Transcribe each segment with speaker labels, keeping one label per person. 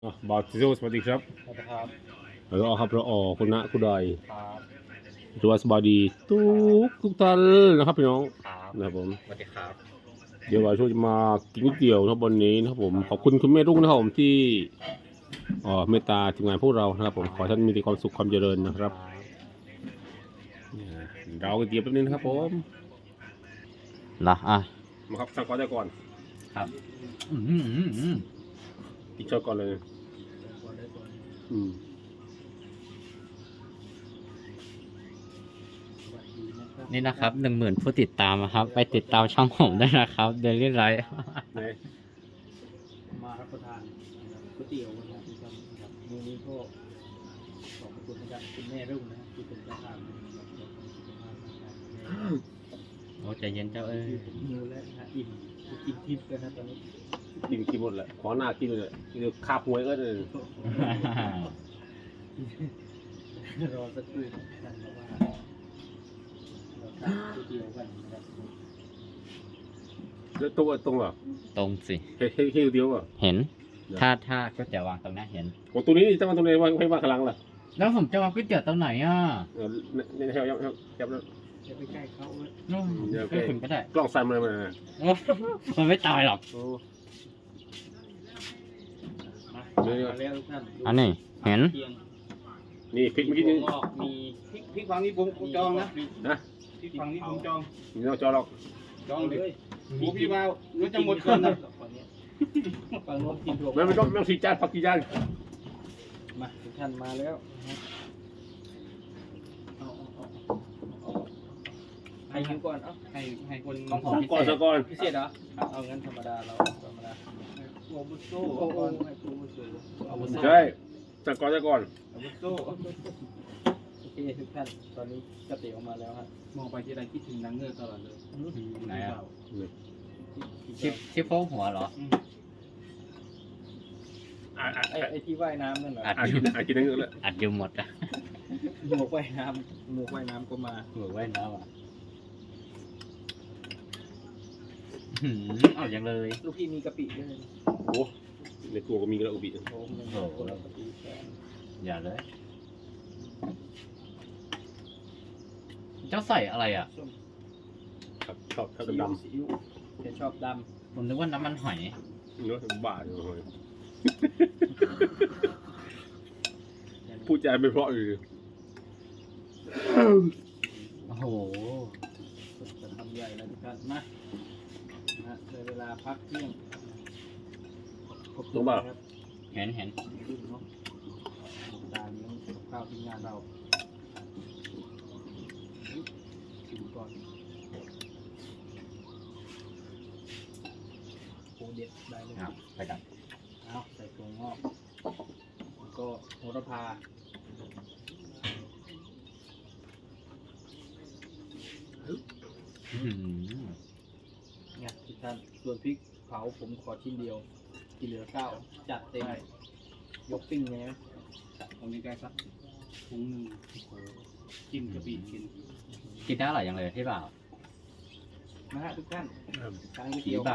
Speaker 1: บาติโซสวัสดีครับ
Speaker 2: ครับ
Speaker 1: แล้วก็ครับเราออกคุณณะคุณใด
Speaker 2: ครับ
Speaker 1: สบายดีทุกท่านนะครับพี่น้อง
Speaker 2: ครับ
Speaker 1: นะครับผม
Speaker 2: สวัสดีครับ
Speaker 1: เดี๋ยวเราช่วยมากินก๋วยเตี๋ยวนะครับวันนี้นะครับผมขอบคุณคุณแม่รุ่งนะครับผมที่เมตตาทีมงานพวกเรานะครับผมขอท่านมีแต่ความสุขความเจริญนะครับเราก๋วยเตี๋ยวแป๊บนึงนะครับผม
Speaker 2: นะ
Speaker 1: มาครับสั่งก่อนได้ก่อน
Speaker 2: ครับ
Speaker 1: กินช้อนก่อนเลยอืม
Speaker 2: นี่นะครับ10,000ผู้ติดตามนะครับ ไปติดตามช่องผมได้นะครับเดลี่ไลท์
Speaker 1: ไหน
Speaker 3: มารับประทานก๋วยเตี๋ยวนะครับที่ทำครับมื้อนี้ก็ขอบคุณนะครับคุณแม่รุ่งนะครับที่เป็นเจ้าภาพนะครับขอบคุณสุขภาพนะครับ
Speaker 2: โอ้ใจเย็นเจ้าเอ้ย
Speaker 3: หิวแล้วนะฮะอิ่มกินทิพย์กันนะตอนนี้
Speaker 1: กินหมดแหละขอหน้ากินเลยกินคาบหวยก็เลย
Speaker 3: รอสักครู่นะครับเพราะว่าเราทานก๋วยเตี๋ยวกันนะครับ
Speaker 1: แล้วตรงเหรอ
Speaker 2: ตรงสิ
Speaker 1: เฮ้ยเดียวเหรอ
Speaker 2: เห็น ถ้าก๋วยเตี๋ยววางตรงนี้เห็น
Speaker 1: โอ้ตัวนี้จะมาตรงไหนวางให้วางข้างหลังล่ะ
Speaker 2: แล้วผมจะวางก๋วยเตี๋ยวตรงไหนอ่ะ
Speaker 1: ในแถวยับแล้ว
Speaker 3: จะไปใกล้เขาเลย
Speaker 2: ก็ถึงก็ได้
Speaker 1: กล้องสั่นเลยมัน
Speaker 2: มันไม่ตายหรอก
Speaker 3: มาแล้วทุกท่าน
Speaker 2: อันนี้เห็น
Speaker 3: เพียง
Speaker 1: นี่พริกเมื่อกี้นี่
Speaker 3: งอกมี
Speaker 4: พริกฝั่งนี้ผมจองนะ
Speaker 1: นะ
Speaker 4: พริกฝั่งนี้ผมจอง
Speaker 1: มีน้องจอหรอก
Speaker 4: จองเลย
Speaker 3: ย
Speaker 4: หมูพี่วาวรู้จะหมดก่อนนะ
Speaker 3: ฝั่งโน้นกินถั่ว
Speaker 1: ไม่ต้องสีจานผักกี่จาน
Speaker 3: มาทุกท่านมาแล้วนะครับให้หิวก่อนเอ้า
Speaker 4: ให้คน
Speaker 2: ของผมพิ
Speaker 1: ก่อน
Speaker 2: เศ
Speaker 1: สั
Speaker 2: ษ
Speaker 1: กก่อน
Speaker 3: พิเศษเหรอเอางั้นธรรมดาเราธรรมดา
Speaker 4: โอ้บุโซ
Speaker 3: โอ้โหให้ครูผู้ช่วยเอาบุญ
Speaker 1: ใช่สักก่อน
Speaker 4: บุโซ
Speaker 3: โอเคทุกท่านตอนนี้ก๋วยเตี๋ยวมาแล้วครับ
Speaker 4: มองไปที่ไรคิดถึงนางเงือกตลอดเลย
Speaker 2: ไหนอ่ะชิปโฟกหัวเหรอ
Speaker 3: ไอ้ที่ว่ายน้ำนั่นเหรอ
Speaker 1: กินนั่งเลย
Speaker 2: อัดอยู่หมดอ่ะ
Speaker 3: หมวกว่ายน้ำหมวกว่ายน้ำก็มา
Speaker 2: หัวไว้แล้วอ่ะเอาอย่างเลย
Speaker 3: ลูกพี่มีกะปิด้วย
Speaker 1: โอ้ในครัวก็มีกระอุบิ
Speaker 3: โอ้โหกะปิแกง
Speaker 2: อย่าเลย เจ้าใส่อะไรอ่ะ
Speaker 3: ส้ม
Speaker 1: ครับชอบ
Speaker 3: ซีอิ๊ว
Speaker 1: ดำ
Speaker 3: ซีอิ๊วจะชอบด
Speaker 2: ผมนึกว่าน้ำมันหอย
Speaker 1: เนื้อบาดเลย
Speaker 3: ำ
Speaker 1: พูดใจไม่เพราะเลย
Speaker 2: โอ้โห
Speaker 3: จะทำใหญ่แล้วทุกท่านมาในเวลาพักเที่ยงขอบคุณนะครับ
Speaker 2: เห็น
Speaker 3: รุ่นเนาะตาเลี้ยงข้าวทีมงานเราชิมก่อนโอ้เด็ดได้เลย
Speaker 2: ครับไปกัน
Speaker 3: เอาใส่ถั่วงอกแล้วก็โหระพาเนี่ยทุกท่านส่วนพริกเผาผมขอชิ้นเดียวที่เหลือเก้าจัดเต็มยกปิ้งเลยไหม
Speaker 4: ตรงนี้ใกล้สักถุงหนึ่งกินกะปิกิน
Speaker 2: กินได้อร่อยอย่างเลยที่เปล่า
Speaker 3: นะฮะทุกท่านทานก๋วย
Speaker 2: ผี
Speaker 3: เตี๋ยว
Speaker 2: บ้า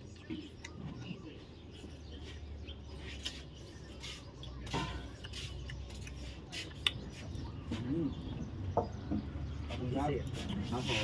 Speaker 3: อืมขอบคุณครับ
Speaker 2: ครับผม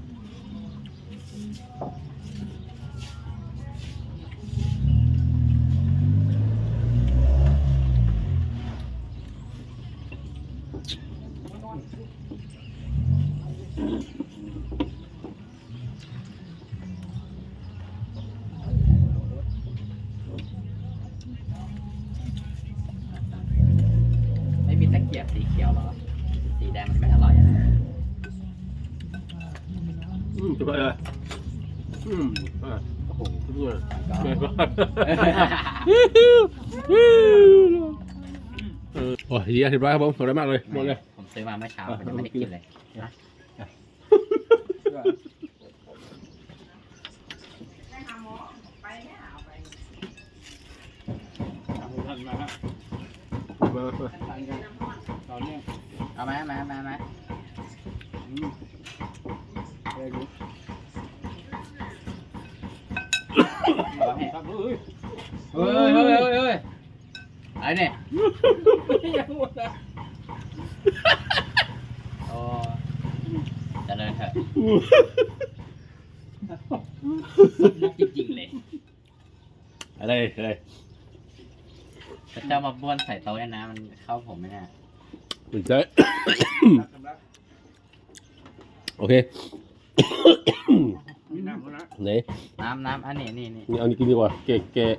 Speaker 2: ไม่มีตะเกียบสีเขียวเหรอ สีแดงมันไม่อร่อยอ่ะ
Speaker 1: จะไปเลยโอ้โหทุกคน โอ้ยดีอธิบายครับผมสวยมากเลยหมดเลย
Speaker 2: ผมซื้อมาเมื่อเช้าผมยังไม่ได้กินเลย
Speaker 3: ขอบคุณท่านมาฮะ
Speaker 1: มา
Speaker 3: ทานกันต่อเนื่อง
Speaker 2: เอามา
Speaker 3: เลยดู
Speaker 2: เอาให้
Speaker 3: ครับเฮ้ย
Speaker 2: เฮ้ยไอ้เนี่ย
Speaker 3: ยังหมดนะ
Speaker 2: โอ้เจะเลยเถอะมุกจริงๆเลย
Speaker 1: อะไรอะไร
Speaker 2: พระเจ้ามาบ้วนใส่โต๊ะเนี่ยนะมันเข้าผมไหมเนี่ย
Speaker 1: ถึงใจ
Speaker 3: สำหรับ
Speaker 1: โอเค
Speaker 3: มีน้ำแล้วนะ
Speaker 1: ไหน
Speaker 2: น้ำอันนี้นี่
Speaker 1: นี่เอานี่กินดีกว่าแกะ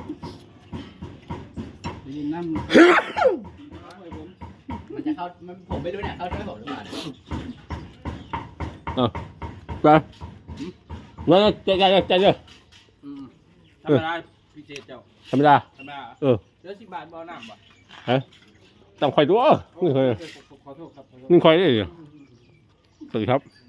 Speaker 3: มีน้ำ
Speaker 2: มันจะเข้าผมไม่รู้เนี่ยเข้าด้วยผมหรือเปล่าเนี่ย
Speaker 1: อ่ะไปงั้นใจเยอะ
Speaker 3: ธรรมดาพิเศษเจ้า
Speaker 1: ธรรมดา
Speaker 3: ธรรมดา
Speaker 1: เออ
Speaker 3: เดี๋ยว10 บาทบ่น้ำบ่
Speaker 1: ฮะต้องคอยดูนี่คอย
Speaker 3: ขอโทษครับ
Speaker 1: นี่คอยได้ดิสวัสดีครับ